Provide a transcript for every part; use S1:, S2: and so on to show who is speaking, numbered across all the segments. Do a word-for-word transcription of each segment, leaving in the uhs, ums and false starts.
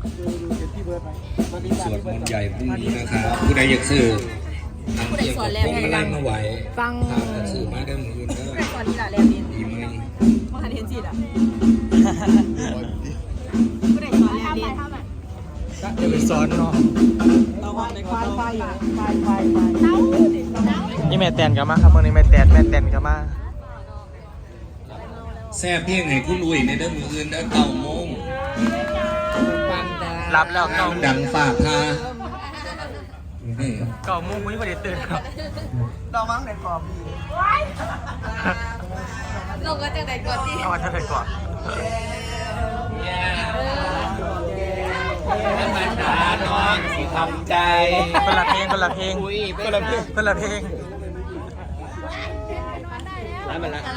S1: สวดมนต์ใหญ่พรุ่งนี้นะครับผู้ใดอยากซื้อทางเที่ยวกับพวงมาลัยมาไหวฟังซื้อมาได้หมื่นก็ตอนนี้ละแล้วดีไหมมหาเทนจิตอ่ะผู้ใดสอนแล้วดีจะไปสอนเนาะ
S2: นี่แม่แตนกันมาครับวันนี้แม่แตนแม่แตนกันมา
S1: แซ่บเพียงให้คุณอุ้ยในเด้อมืออื่นเด้อเก้าโมง
S2: รับแล้วเก้า
S1: ดังฝากพา
S2: เก้าโมงวันนี้ประเดี๋ยวตื่นครับ
S3: เรามั้งในกรอบ
S4: เราก็จะไหนก่อนที่
S2: เอาจะไหนก่อน
S1: น้ำมันตาน้องสิทำใจ
S2: คนละเพลงคนละเพลงคนละเพลงคนละเพลง
S1: น้ำมันละ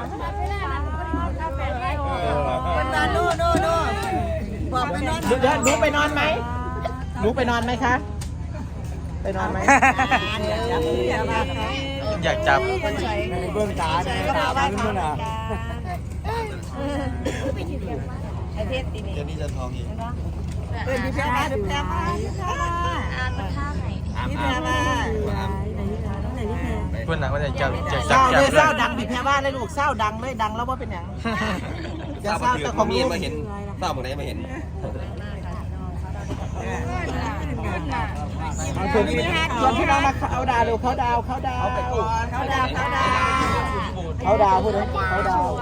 S3: คนนอนนู่นนู่นนู่นบอกไปนอนหนูไปนอนไหมหนูไปนอนไหมคะไปนอนไหม
S2: อยากจับ
S3: เบื้องตาเนี่ยตาบ้านนู่นน่ะ
S4: ไอเทสตีนี่
S1: เดี๋ยวนี้จะทองอีก
S3: เป็นพี่แพรมาพี่แพรมา
S4: อ่านมันท่าไหน
S3: พี่แพรมา
S2: เพื่อนหนักว่าจะจับจะ
S3: จับจับเลยเศร้าดังพี่แพรมาเลยลูกเศร้าดังเลยดังแล้วว่าเป็นอย่างจะเศร้าแต่ของลูก
S1: มาเห็นเศร้าหมดไหนมาเห็น
S3: ชวนพี่ชวนพี่น้องมาเขาดาวดูเขาดาวเขาดาวเขาดาวเขาดาวเขาดาวพูดเลยเขาดาว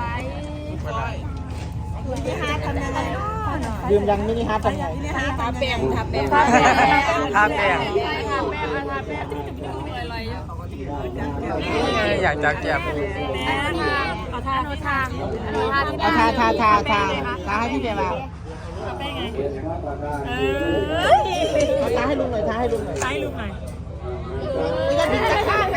S3: มินิฮาร์ททำยังไงยืมยังมินิฮาร์ททำยังไงมินิฮาร์ททาแป้งทาแป้ง
S2: ทาแป้งทาแป้งอยากจับจับ
S4: เอาท่าโนทาง
S3: เอาทาทาทาทาทาให้พี่เบียร์มาทาให้ลุงหน่อยทาให้ลุงหน่อยทาให้ลุงหน่อยไม่งั้นพี่จะฆ่าไป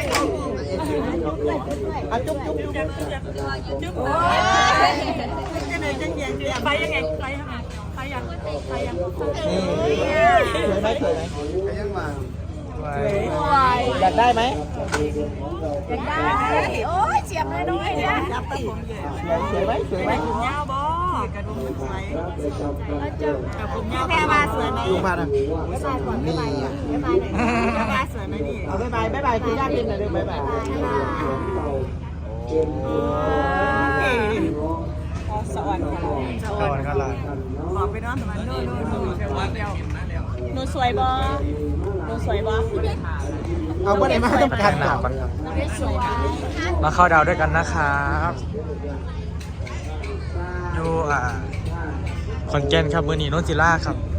S3: เอาจุ๊บจุ๊บจุ๊บจุ๊บโอ้ยจะไหนจะเยียงเยียงไปยังไงไปยังไงไปยังไปยังสวยไหมสวยไหมไปยังมาอยากได้ไหม
S4: อยากได้โอ้ยเจียบเลยน้อยเนี่ย
S3: จับตะผมสวยไหมสวยไหมผมยาวบ่กระดุมสวยผมยาวแพรมาสวยไหมลุงพานะนี่บ๊ายบายบ๊ายบายสวยไหมนี่เอาบ๊ายบายบ๊ายบายคุณย่าเป็นหน่อยด้วยบ๊ายบายสวัสดี
S2: สวัสดีครับ
S3: ขอไปนอนสมัยโน่นโน่นโน่นหนูสวยบ่หนูสวยบ่เอาบ่ได้มาต้องการหนาก่อนครับ
S2: มาเข้าดาวด้วยกันนะครับอยู่อ่าขอนแก่นครับเมื่อนี้โนนจิล่าครับ